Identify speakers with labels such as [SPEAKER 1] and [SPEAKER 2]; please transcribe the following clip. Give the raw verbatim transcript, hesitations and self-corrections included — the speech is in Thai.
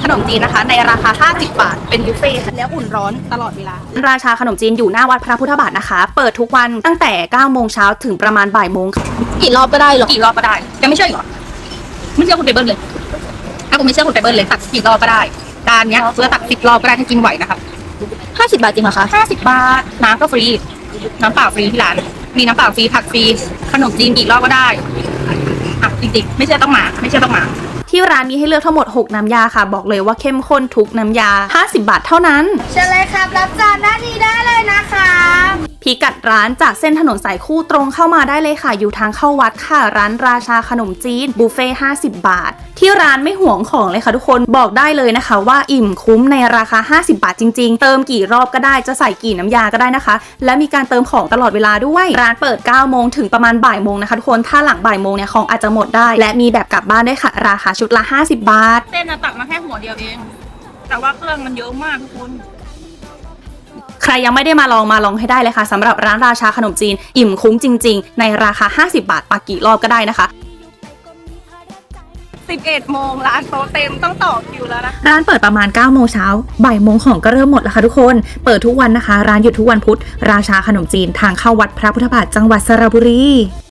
[SPEAKER 1] ขนมจีนนะคะในราคาห้าสิบบาทเป็นบุฟเฟ่ต์แล้วอุ่นร้อนตลอดเวลาราชาขนมจีนอยู่หน้าวัดพระพุทธบาทนะคะเปิดทุกวันตั้งแต่เก้าโมงเช้าถึงประมาณบ่ายโมงกี่รอบก็ได้หรอกี่รอบก็ได้แกไม่เชื่อหรอไม่เชื่อคุณเปเบิลเลยถ้าคุณไม่เชื่อคุณเปเบิลเลยตักกี่รอบก็ได้จานเนี้ยเพื่อตักสิบรอบก็ได้ถ้ากินไหวนะคะห้าสิบบาทจริงเหรอคะห้าสิบบาทน้ำก็ฟรีน้ำเปล่าฟรีที่ร้านมีน้ำเปล่าฟรีผักฟรีขนมจีนกี่รอบก็ได้อ่ะจริงๆไม่เชื่อต้องมาไม่เชื่อต้องมาที่ร้านมีให้เลือกทั้งหมดหกน้ำยาค่ะบอกเลยว่าเข้มข้นทุกน้ำยาห้าสิบบาทเท่านั้น
[SPEAKER 2] เชิญเลยครับรับจานด้านนี้ได้เลยนะคะ
[SPEAKER 1] พิกัดร้านจากเส้นถนนสายคู่ตรงเข้ามาได้เลยค่ะอยู่ทางเข้าวัดค่ะร้านราชาขนมจีนบุฟเฟ่ห้าสิบบาทที่ร้านไม่ห่วงของเลยค่ะทุกคนบอกได้เลยนะคะว่าอิ่มคุ้มในราคาห้าสิบบาทจริงๆเติมกี่รอบก็ได้จะใส่กี่น้ำยาก็ได้นะคะและมีการเติมของตลอดเวลาด้วยร้านเปิดเก้าโมงถึงประมาณบ่ายโมงนะคะทุกคนถ้าหลังบ่ายโมงเนี่ยของอาจจะหมดได้และมีแบบกลับบ้านด้วยค่ะราคาชุดละห้าสิบบาท
[SPEAKER 3] เส้นตักมาแค่หัวเดียวเองแต่ว่าเครื่องมันเยอะมากทุกคน
[SPEAKER 1] ใครยังไม่ได้มาลองมาลองให้ได้เลยค่ะสำหรับร้านราชาขนมจีนอิ่มคุ้มจริงๆในราคาห้าสิบบาทปักกี่รอบก็ได้นะคะ
[SPEAKER 3] สิบเอ็ดโมงร้านโต๊ะเต็มต้องต่อคิวแล้วนะ
[SPEAKER 1] ร้านเปิดประมาณเก้าโมงเช้าบ่ายโมงของก็เริ่มหมดแล้วค่ะทุกคนเปิดทุกวันนะคะร้านหยุดทุกวันพุธราชาขนมจีนทางเข้าวัดพระพุทธบาทจังหวัดสระบุรี